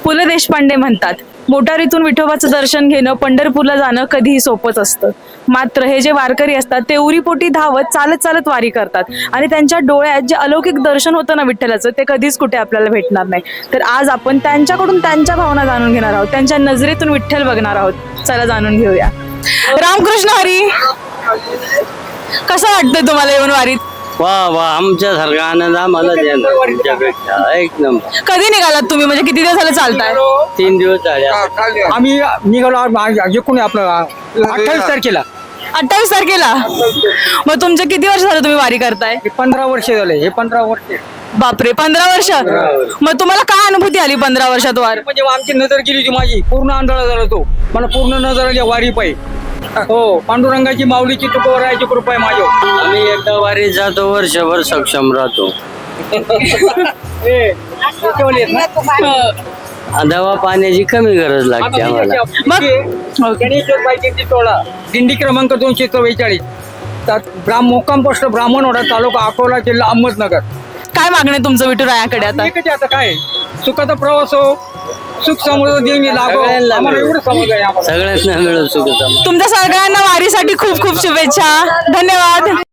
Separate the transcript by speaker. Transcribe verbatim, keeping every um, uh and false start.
Speaker 1: पु ल देशपांडे म्हणतात, मोटारीतून विठोबाचं दर्शन घेणं, पंढरपूरला जाणं कधीही सोपंच असतं. मात्र हे जे वारकरी असतात ते उरीपोटी धावत चालत चालत वारी करतात आणि त्यांच्या डोळ्यात जे अलौकिक दर्शन होतं ना विठ्ठलाचं, ते कधीच कुठे आपल्याला भेटणार नाही. तर आज आपण त्यांच्याकडून त्यांच्या भावना जाणून घेणार आहोत, त्यांच्या नजरेतून विठ्ठल बघणार आहोत. चला जाणून घेऊया. रामकृष्ण हरी. कसं वाटतंय तुम्हाला येऊन वारीत?
Speaker 2: वा वा, आमच्या सारखा आनंद आम्हाला देणार तुमच्यापेक्षा एक नंबर.
Speaker 1: कधी निघालात तुम्ही, म्हणजे किती दिवस झाले चालताय?
Speaker 2: तीन दिवस झाले.
Speaker 3: आम्ही निघालो एकूण आपलं अठ्ठावीस तारखेला.
Speaker 1: अठ्ठावीस तारखेला. मग तुमचे किती वर्ष झालं तुम्ही वारी करताय?
Speaker 3: हे पंधरा वर्ष झाले. हे पंधरा वर्ष
Speaker 1: बापरे, पंधरा वर्ष. मग तुम्हाला काय अनुभूती आली पंधरा वर्षात वारी?
Speaker 3: म्हणजे आमची नजर गेली होती माझी, पूर्ण आंधळा झाला तो. मला पूर्ण नजर आली वारी पाहिजे. हो, पांडुरंगाची माऊलीची तुकोबरायाची कृपा आहे माझ्यावर.
Speaker 2: आम्ही एकदा वारीत जातो, वर्षभर सक्षम राहतो. दवा पाण्याची कमी गरज लागते आम्हाला.
Speaker 3: दिंडी क्रमांक दोनशे चव्वेचाळीस. ब्राह्म मुक्काम पोस्ट ब्राह्मणवाडा, तालुका अकोला, जिल्हा अहमदनगर.
Speaker 1: काय मागणं आहे तुमचं विठुरायाकडे आता?
Speaker 3: एकच आहे आता, काय सुखाचा प्रवास हो, सुख समृद्धी देवी लाभो.
Speaker 2: सगळ्यांना
Speaker 3: आम्हाला एवढं समज आहे आम्हाला.
Speaker 2: सगळ्यांना मिळून सुख.
Speaker 1: तुमच्या सगळ्यांना वारीसाठी खूप खूप शुभेच्छा. धन्यवाद.